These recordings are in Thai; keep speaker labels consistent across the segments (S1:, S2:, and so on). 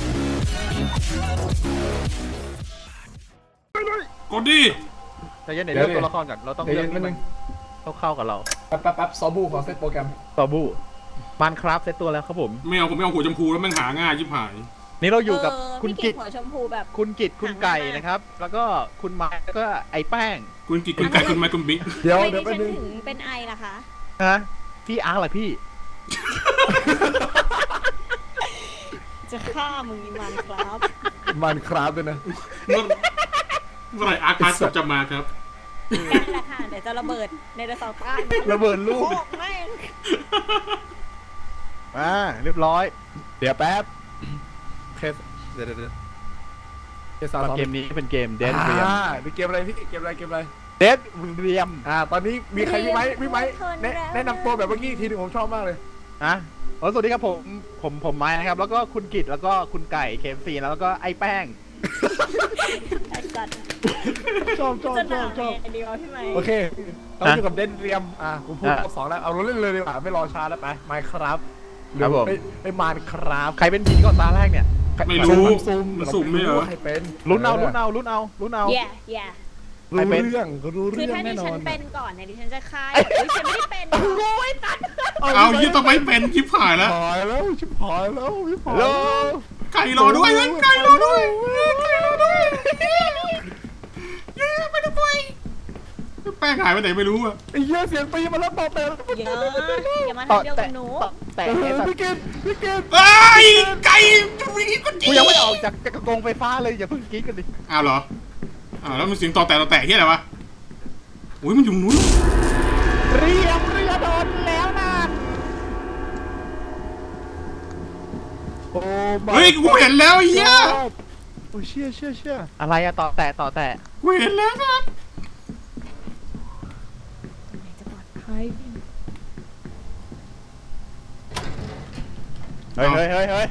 S1: กดดิ
S2: แต่ยันเดี๋ยวเลือกตัวละครก่อนเราต้องเลือกให้มันเข้ากับเรา
S3: แป๊บซอบูขอเซตโปรแกรม
S2: ต่อบูมันครับเซตตัวแล้วครับผม
S1: ไม่เอาผมไม่เอาหัวชมพูแล้วแม่งหาง่ายชิบหาย
S2: นี่เราอยู่กับคุณ
S4: พี่
S2: กิต
S4: หัวชมพูแบบ
S2: คุณกิตคุณไก่นะครับ แล้วก็คุณไม้แล้วก็ไอ้แป้ง
S1: คุณกิจคุณไก่คุณไม้คุณบิ๊ก
S3: เดี๋ยว
S4: ทำไม
S3: เดี๋ยว
S4: ดิ
S3: แป๊บ
S4: ฉัน
S3: นึง
S4: ถึงเป็นไอล่ะคะ
S2: ฮะพี่อาร์ตล่ะพี่
S4: จะฆ่ามึงมันครับ
S3: มันครับด้วยนะ
S1: เมื่อไหร่อาร์คพาร์ตจะมาครับ
S4: นั่นแหละค่ะเดี๋ยวจะระเบิดในเดอะเสาร์ใต้
S2: ระเบิดลู
S4: โค
S2: ก
S4: กแม่ง
S2: เรียบร้อย
S3: เดี๋ยวแป๊บเคสเดี๋ยวเคสสาว
S2: เกมนี้เป็นเกม Dead Realm
S3: มีเกมอะไรพี่เกมอะไร
S2: Dead Realm
S3: ตอนนี้มีใครพี่ไม้แนะนำตัวแบบเมื่อกี้ทีนึงผมชอบมากเลย
S2: สวัสดีครับผมไม้นะครับ แล้วก็คุณกิตแล้วก็คุณไก่เคมซีแล้วก็ไอ้แป้ง
S4: ไอ้สัตว์
S3: ชอบ
S4: จะหนาวไงเดียวพี่ไหม
S3: โอเคเราอยู่กับเดนเรียมผมพูดรอบสองแล้วเอาเราเล่นเลยดีกว่าไม่รอช้าแล้วไปไมค์ครับ
S2: ครับผม
S3: ไม่มานครับ
S2: ใครเป็นผีก่อนตาแรกเนี่ย
S1: ไม่รู้
S3: ซูม
S1: มันสุ่มไม่เหรอ
S3: ใครเป็น
S2: ลุ้นเอา
S4: แย่แย่
S3: รู้เรื่องรู้
S4: คือ
S3: เรื่อง
S4: ถ้าดิ
S3: แน่นอ
S4: ฉัน
S3: น
S4: เป็นก่อนเนี่ยดิฉันจะฆ่าฉันไม่ได้เป็นโอ้ยตัด
S1: เอายี่ต้องไม่เป็นชิบหายแล้ว
S3: หายแล้วชิบหายแล้วชิบหาย
S2: ฮัลโหล
S1: ไก่รอด้วยไก่รอด้วยไก่รอด้วยไม่ต้องไปแป้งหายไปไหนไม่รู้อะ
S3: ไอ้เหี้ยเสียงปีมาแล้วตอบแต่
S4: เยอะอย่ามาทำเดียวกับหนู
S2: แต่
S3: พี่เกด
S1: ไอ้ไก่จะวิ่งก็จี
S2: กูยังไม่ออกจากกระโกงไฟฟ้าเลยอย่าเพิ่งกรี๊ดกันดิ
S1: อ้าวเหรอแล้วมันเสียงต่อแต่ที่อะไรวะอุ้ยมันอยู่นู้น
S2: เรือโดนแล้วนะ
S3: โอ้
S1: เฮ้ยกูเห็นแล้วเฮีย
S3: โอ้เชี่ย
S2: อะไรอะต่อแต่
S1: กูเห็นแล้วครับ
S4: จะปลอดภัย
S2: เฮ้ย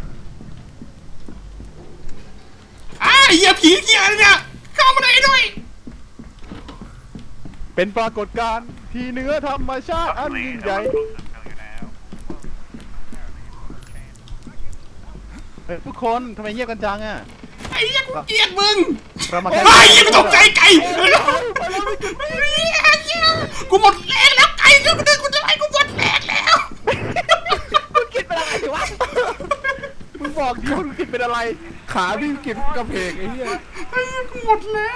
S1: เฮียผีเฮียอะไรเนี่ยเข้ามาไหนด้วย
S2: เป็นปรากฏการณ์ที่เหนือธรรมชาติอันยิ่งใหญ่ทุกคนทำไมเงียบกันจังอะ
S1: ไอ้เหี้ยกูเกลียดมึง
S2: เรามา
S1: ไอ้เหี้ยกูตกใจไก่กูหมดแรงแล้วไก่ก็ไม่ได้กูจะให้กูหมดแรงแล้ว
S2: คุณกินเป็นอะไรวะมึงบอกดิคุณกินเป็นอะไร
S3: ขาพี่กินกระเพกไอ้เหี้ย
S1: ไอ้เหี้ยกูหมดแรง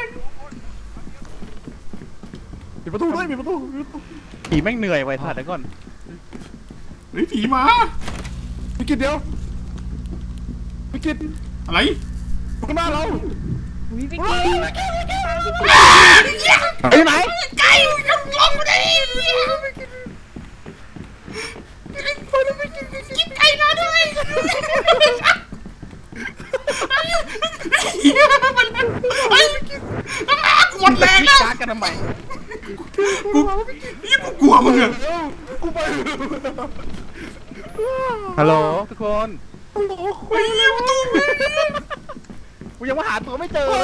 S3: ปิดประตูด้วยปิดประตู
S2: ผีแม่งเหนื่อยไว้ถ่ายเดี๋ยวก่อน
S1: เฮ้ยผีมา
S3: พี่กินเดียวพี่กิน
S1: อะไร
S3: ข้างหน้าเรา
S4: วิวิก
S2: ไปไหน
S1: ไก่ลงมาดิกินไก่มาด้วยเฮียมันไอ้กูหมดแรงแล้ว
S2: ชาร์จกันทำไม
S1: กูกลัวมึงอะ
S3: กูไป
S2: ฮัลโหลทุกคน
S1: ไอ้เหี้ยประตู
S2: กูยังมาหาตัวไม่เจอ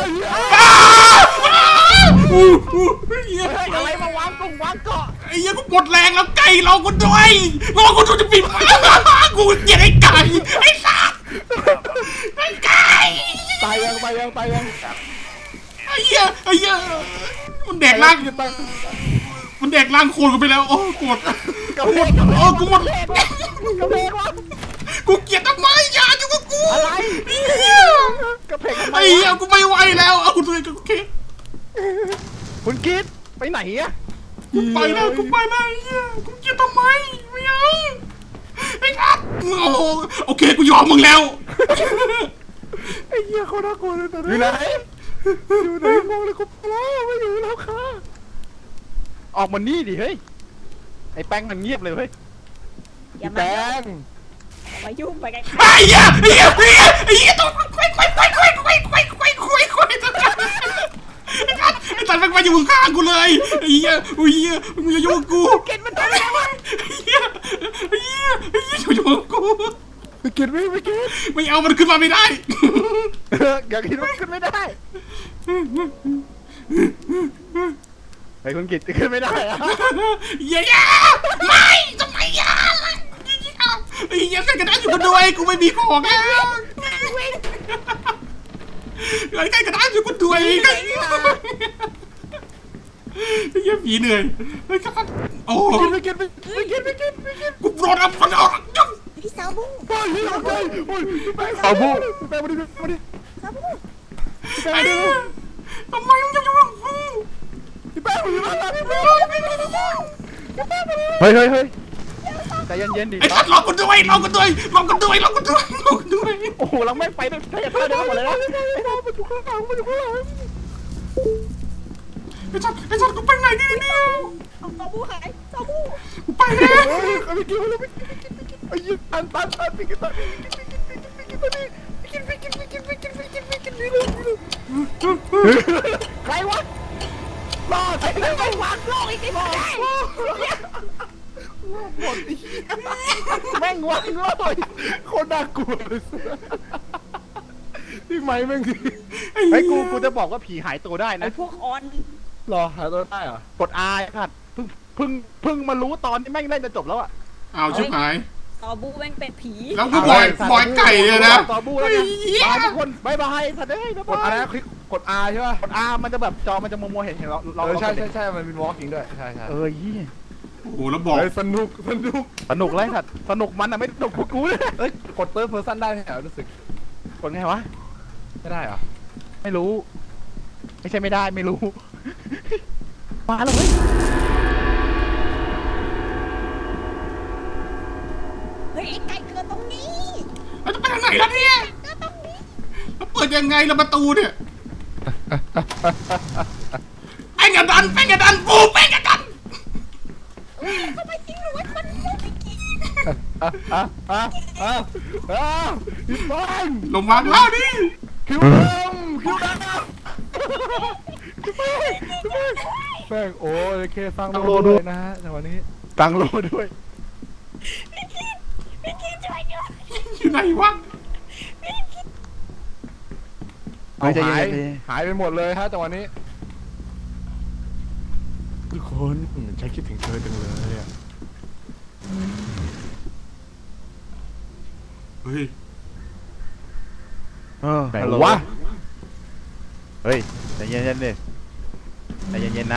S1: เฮีย
S2: อะไรมาวางเกาะ
S1: ไอ้เหี้ยกูหมดแรงแล้วไก่เรากูด้วยรอกูดูจะปิดกูเกลียดไอ้ไก่ไอ้สัตว์ไอ้ไก่
S3: ตายยัง
S1: ไอ้เหี้ยมันแดกร่างมันแดกร่างโคลนกูไปแล้วโอ้กด
S2: กระเพก
S1: โอ้กูหมด
S2: กระเพกวะ
S1: กูเกลียดทำไมอย่าอยู่กับกู
S2: อะไร
S1: ไอ้เหี้ย
S2: กระเพกทำไม
S1: ไอ้เหี้ยกูไม่ไหวแล้วเอากูเลยโอเค
S2: คุณกิดไปไหนอะ
S1: กูไปแล้วไอ้เหี้ยกูเกลียดทำไมไม่เอาไอ้สัตว์โอเคกูยอมมึงแล้ว
S3: ไอ้เหี้ยเขาน่ากลัวเลยตอน
S2: อ
S3: นี้
S2: ยู่ไหน
S3: อยู่ไหนมองเลยกูแล้วไม่อยู่แล้วค่ะ
S2: ออกมานี่ดิเฮ้ยไอ้แป้งมันเงียบเลยเฮ้ย
S4: อย่า
S3: แด
S4: มาง ยุ่งไปไกล
S1: ไอ้เหี้ยต้องไอ้สัตว์ไอ้สัตว์มันมาอยู่ข้างกูเลยไอ้เหี้ยมึงอย่ายุ่งกู
S2: กินมันทำอะไรวะ
S1: ไอ้เหี้ยอย่ายุ่งกู
S3: ไม่กิน
S1: ไม่เอามันขึ้นมาไม่ได้
S2: อย่าคิดว่าขึ้นไม่ได้ไอ้คุณกิตขึ้นไม่ได้อะ
S1: อย่าไม่ทำไมอย่าไอ้เหี้ยใส่กระดาษอยู่กันด้วยกูไม่มีของแล้วไอ้ไก่กระด้างช่วยกูด้วยไอ้เหี้ยผีเหนื่อยไอ้กระด้างโอ้ไม่กินกูโดนอับฟันเอา
S4: พี่สาวบุ้ง
S3: โอ้ยโอ้ยโอ้ยเอาบุ้งไปมาดิมาดิ
S4: สาวบุ้ง
S1: ไอ้ทำไมมึงจะยุ่งกับกู
S3: พี่แป้งอยู่บ้านเราพี่แป้ง
S2: เฮ้ยเฮ้ยเฮ้ยใจเย็นๆดิ
S1: ไอ้สัตว์รอกูด้วยรอกูด้วยรอกูด้วยรอกูด้วยรอกูด้วย
S2: โอ้โหเราไม่ไปด้วยถ้าจะเข้าเดี๋ยวหมดเลยนะ
S3: มันอยู่ข้างหลังมันอยู่ข้างหลัง
S1: ไอ้สัตว์กูไปไหนดีเนี่ย
S4: เอาสาวบุ้งหายสาวบุ้ง
S1: กูไปแล้ว
S3: เฮ้ยไม่กินแล้วไม่กินไอ้ยี่ตันไปกินตันใครวะรอดไอ้นั่นไม่วางโลกอีกทีหมดแม่งวางเลยโคตรน่ากลัวเลยพี่ไม้แม่งดิ
S2: ไอ้กูจะบอกว่าผีหายตัวได้
S4: ไอ้
S2: นะ
S4: พวกออน
S3: รอหาตัวได้เหรอก
S2: ด R ครับเพิ่งมารู้ตอนที่แม่งเล่นจะจบแล้วอะ
S1: เอาชิบหาย
S4: สาวบุ้งแม่งเป็นผี
S1: แล้วกูบอยไก่เนี่ยนะ
S2: ต่อบูแล้วกันบายทุกคนบายบายสัตว์เอ้ยบ๊าย
S3: กด
S2: บา
S3: อะไร
S2: ย
S3: นะคลิกกด R ใช่ป่ะ
S2: กด R มันจะแบบจอมันจะมัวๆเห็นเรา
S3: ใช่มันเป็นวอล์กจริงด้วยใช่
S2: ยี่
S1: โอ้โหแล้วบอก
S3: สนุก
S2: สนุกเลยสัตว์สนุกมันอะไม่สนุกพวกกูเลย
S3: เอ้ยกดเติร์ดเพอร์ซันได้ไหมรู้สึก
S2: กดไงวะ
S3: ไม่ได้เหรอ
S2: ไม่รู้ ไม่ใช่ไม่ได้ไม่รู้ มาแล้วเว้ย
S4: เฮ้ยไอ้ไก่เกิดตรงนี้
S1: เราจะไปทางไหนล่ะเนี่ย
S4: เกิดตรงนี้
S1: แล้วเปิดยังไงล่ะประตูเนี่ยแป้งกระดันปูแป้งกระดัน
S4: ทำไมทิ้งหนูไว้คนเดียวไม่กิน
S3: พี่บอล
S1: ลงมาแล้วดิ
S3: คิวดำแป้งโอ้ยเคฟังโลด้วยนะฮะในวันนี้
S2: ตังโลด้วย
S4: ไม่กินช่วยด้วย
S1: อยู่ไหนวะ
S2: ไม่ใช่
S3: หายไปหมดเลยฮะจังหวะนี้ทุกคนฉันคิดถึงเธอจังเลยอ่ะ
S1: เฮ้ย
S2: ไหนวะเฮ้ยใจเย็นๆดิใจเย็นๆนะ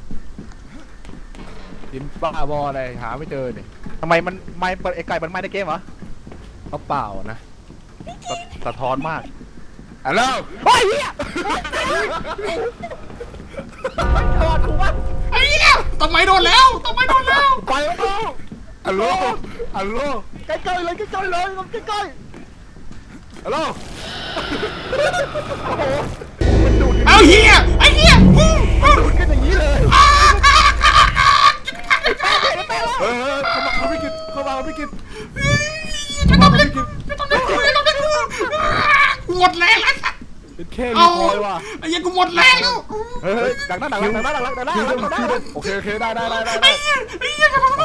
S3: ยิ้มบ้าบออะไรหาไม่เจอเนี่ย
S2: ทำไมมันไม่เปิดไอ้ไก่มันไม่ได้เกมเหรอ
S3: เขาเปล่านะ
S2: สะท้อนมาก
S3: ฮัลโหล
S2: เฮ้ยเฮียโดนกูวะ
S1: ไอ้เนี่ยต้นไม้โดนแล้วต้นไม้โดนแล้ว
S3: ไปแล้วฮัลโหลฮัลโหล
S2: ใกล้ๆเลยใกล้ๆเลยใกล้
S3: ฮัลโหล
S1: เอาเฮียไอ้เฮีย
S2: ๆดูดกันอย่างนี้เลย
S3: เออเขาไม่กินเขาไม่กิน
S1: จะต้องเล่นกูหมดแรงแล้ว
S3: เป็นแค่รี
S1: เอา
S3: คอยว่ะ
S1: ไอ้เหี้ยกูหมดแรงแล้ว
S2: เฮ้ยดักหน้าดักหน้า
S3: โอเคได้
S1: ไอ้เหี้ยจะทำ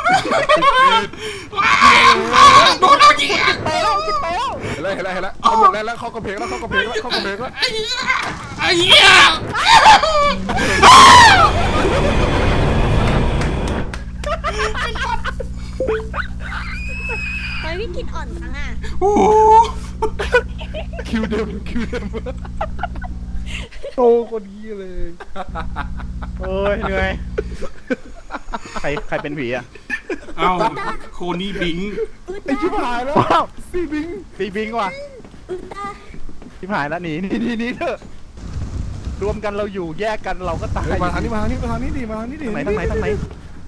S1: โดนเรายิง
S2: ไปแล้วกินไปแล้ว
S3: เห็นแล้วเขาหมดแล้วเขากระเพงแล้ว
S1: ไอ้เหี้ย
S4: ทำไมพี่กินอ่อนจังอ่ะ
S1: โอ้โห
S3: คิวเดิมโตคนนี้เลย
S2: เอ้ยเหนื่อยใครเป็นผีอ่ะ
S1: เอาโคนี่บิง
S3: ไอ้ชิบหายแล้ว
S2: ว้าว
S3: ซีบิง
S2: ตีบิงว่ะ
S4: ตา
S2: ชิบหายแล้วหนีเถอะรวมกันเราอยู่แยกกันเราก็ตาย
S3: มาทางนี้ดิมาทางนี้ดิ
S2: ทางไหน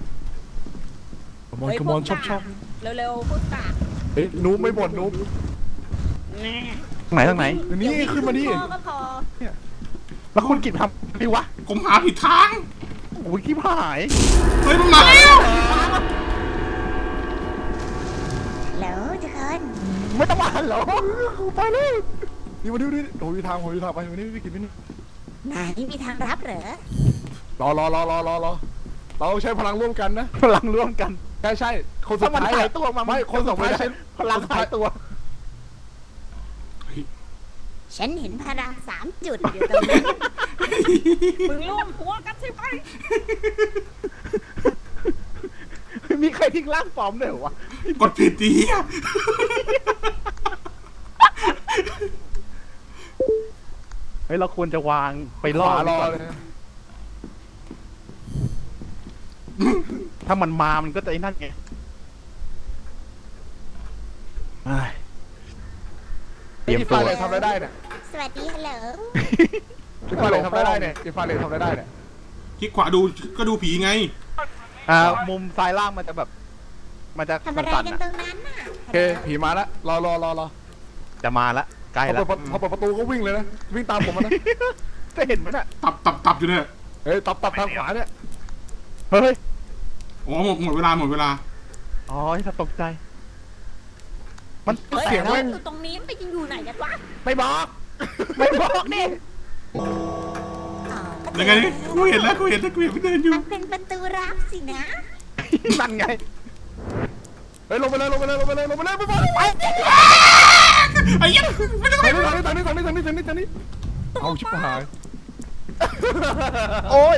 S3: ขมอนชอบ
S4: เร็วๆพูดตา
S3: เฮ้ยนูไม่บ่นนู
S4: แน่
S2: ทางไหน
S3: นี่ขึ้นมาดิ
S4: พอก็พอ
S2: แล้วคุณกิจทำดิวะ
S1: ผมหาผิดทาง
S2: โอ้ยชิบหาย
S1: เฮ้ยมันมาแล้ว
S4: แล้วจะกัน
S2: ไม่ต้องมาหรอ
S3: ไปเลยนี่มาดิโอ้ยทางไปวันนี้พี่กินไม่นี่
S4: ไหนมีทางรับเหรอ
S3: รอเราใช้พลังร่วมกันนะ
S2: พลังร่วมกัน
S3: ใช่คนสุ
S2: ถ้า
S3: ด
S2: มัน
S3: ท้าย
S2: หายตัวมา
S3: ไม่คนสุดท้ายใช้
S2: พลังหายตัว
S4: ฉันเห็นพลัง3 จุดอยู่ตรงนั้นมึงร่วมหัวกันใช่ไหม
S2: มีใครทิ้งร่างปลอมด้วยเหรอวะ
S1: กดผิดดีอะ
S2: เฮ้ยเราควรจะวางไป
S3: ข
S2: ล่อ
S3: วารอ
S2: ก่อน
S3: เลย
S2: ถ้ามันมามันก็จะไอ้นั่นไงเฮ้ยเตรียม
S3: อี
S2: ตั
S3: ฟาว เลยทำอะไรได้เนี่ย
S4: สวัสดีฮัลโหล
S3: อีฟาเลยทำอะไรได้เนี่ยอีฟาเลยทำอะไรได้เนี่ย
S1: คลิกขวาดูก็ดูผีไง
S2: มุมซ้ายล่างมันจะแบบ มันจะ
S4: ทำอะไร
S2: สั่น
S4: กัน
S2: ๆ
S4: ตร
S2: อะ
S4: งนั้นน่ะ
S3: โอเคผีมาแล้วรอ
S2: จะมาละใกล้
S3: พอ
S2: แล้ว
S3: เปิดประตูก็วิ่งเลยนะวิ่งตามผมมานะ
S2: จะเห็นมันอ่ะ
S1: ตับอยู่เนี่ย
S3: เฮ้ยตับทางขวาเนี่ย
S2: เฮ้ย
S1: อ๋อหมดเวลา
S2: อ๋อถ้าตกใจ มัน
S4: เฮ้ย
S3: เสียง
S4: เรา
S3: แม่ง
S4: อยู่ตรงนี้มันไปยังอยู่ไหนกันวะ
S3: ไม่บอก
S2: ไม่บอกนี่
S4: อ๋อ
S1: ยังไงกูเห็นแล้วไม่เดินอยู่
S4: มันเป็นประตูลับสินะ
S2: นั่นไง
S3: เฮ้ยลงไปเลยไปบอก
S1: ไอ้ยันไม่ต้อง
S3: ทางนี้เอาชิบหาย
S2: โอ้ย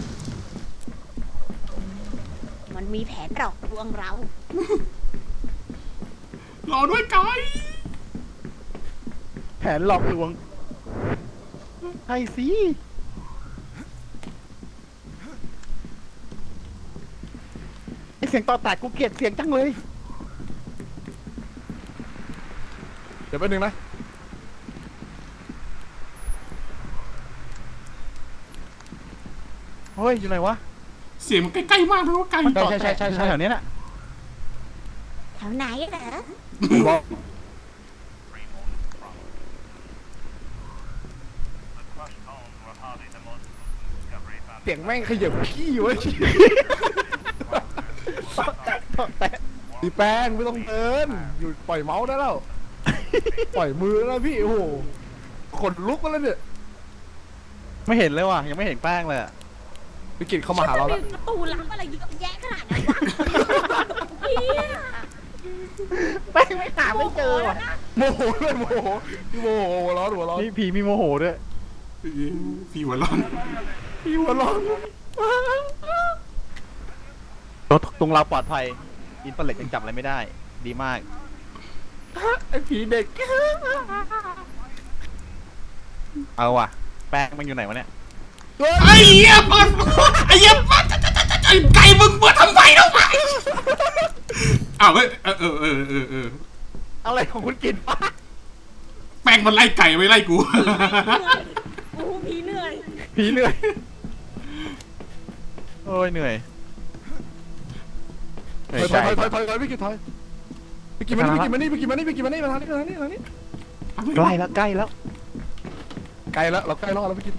S4: มันมีแผนหลอกลวงเรา
S1: รอด้วยไกด์
S2: แผนหลอกลวงใช่สิไอเสียงต่อแตกกูเกลียดเสียงจังเลย
S3: เดี๋ยวแป๊บนึงนะ
S2: เฮ้ย อยู่ไหนวะ
S1: เสียงมันใกล้ๆมากเลยว่าไกด์
S2: ใช่แถวนี้น่ะ
S4: แถวไหนเหรอ
S3: บอก เสียงแม่งขยับขี้ไว้
S2: ต่อแตะ
S3: ดีแป้งไม่ต้องเดินอยู่ปล่อยเมาส์ได้แล้ว ปล่อยมือแล้วพี่โอ้โหขนลุกมาแล้วเนี่ย
S2: ไม่เห็นเลยว่ะ ยังไม่เห็นแป้งเลยอะ
S3: วิกฤตเข้ามาหาเราแล้ว
S4: ประตูลับอะไรเยอะแยะขนาดนั้นวะเฮีย
S2: แป้งไม่หาไม่เจอว่ะ
S3: โมโหเลยโมโหพี่โมโหหัวร้อน
S2: นี่ผีมีโมโหด้วย
S1: ผีหัวร้อน
S3: พี่หัวร้อน
S2: รถตรงเราปลอดภัย อินเตอร์เน็ตยังจับอะไรไม่ได้ ดีมาก
S3: ไอ้ผีเด็ก
S2: เอาว่ะ แป้งมันอยู่ไหนวะเนี่ย
S1: ไอ้เหี้ยเปิดไอ้เหี้ยเปิดไอ้ไก่มึงเปิดทำไมเนาะอ้าวเฮ้ย
S2: อะไรของคุณกินปะ
S1: แป้งมันไล่ไก่ไม่ไล่กู
S4: โอ้โหผีเหนื่อย
S2: ผีเหนื่อย โอ้ยเหนื่อยเหนื่อยใจ
S3: ถอยพี่กิตถอยพี่กิตมานี่มาทางนี้ใกล้แล้ว
S2: ใกล้แล้ว
S3: เราใกล้รอดแล้วพี่กิต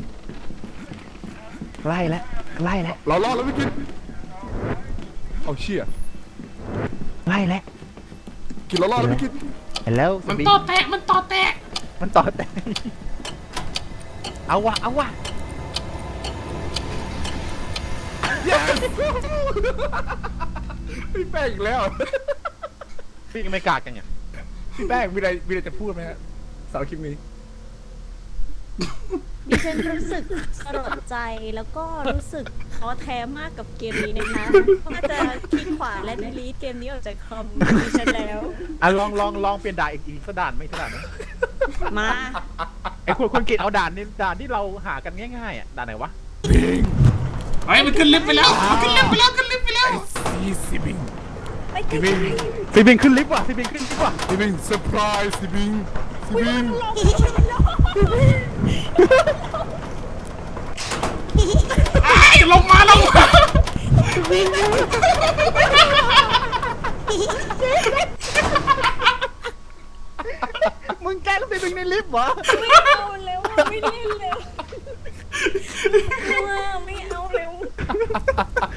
S2: ใกล้แล้ว
S3: เรารอดแล้วพี่กิตเอาเชี่ย
S2: ใกล้แล้ว
S3: กิตเรารอดแล้วพี่กิต
S2: เห็นแล้ว
S1: มันต่อแตะ
S2: มันต่อแต่เอาว่ะ
S3: พี่แป้งอีกแล้ว
S2: พี่ยังไม่กาดกันเนี่ย
S3: พี่แป้งมีอะไรจะพูดไหมฮะสาวคลิปนี้
S5: ดิฉันรู้สึกสลดใจแล้วก็รู้สึกท้อแท้มากกับเกมนี้นะคะน่าจะคลิกขวาและดีลีทเกมนี้ออกจากคอมดิฉันแล้ว
S2: อ่ะลองเปลี่ยนด่านอีกสักด่านไหมสักด่านไหม
S5: มา
S2: ไอ้คุณกินเอาด่านที่เราหากันง่ายๆอ่ะด่านไหนวะ
S1: ไอ้มันขึ้นลิฟต์ไปแล้วขึ้นลิฟต์ไปแล้ว
S3: ซีบิง
S5: ไปไกล
S2: ซีบิงขึ้นลิฟต์ว่ะซีบิงขึ้นลิฟต์ว่ะ
S3: ซีบิงเซอร์ไพรส์ซีบิง
S1: ไอ้ลงมา
S2: มึงแกล้งซีบิงในลิฟต์เหรอ
S5: ไม่เอาแล้วไม่เล่นแล้วไม่เอาแล้ว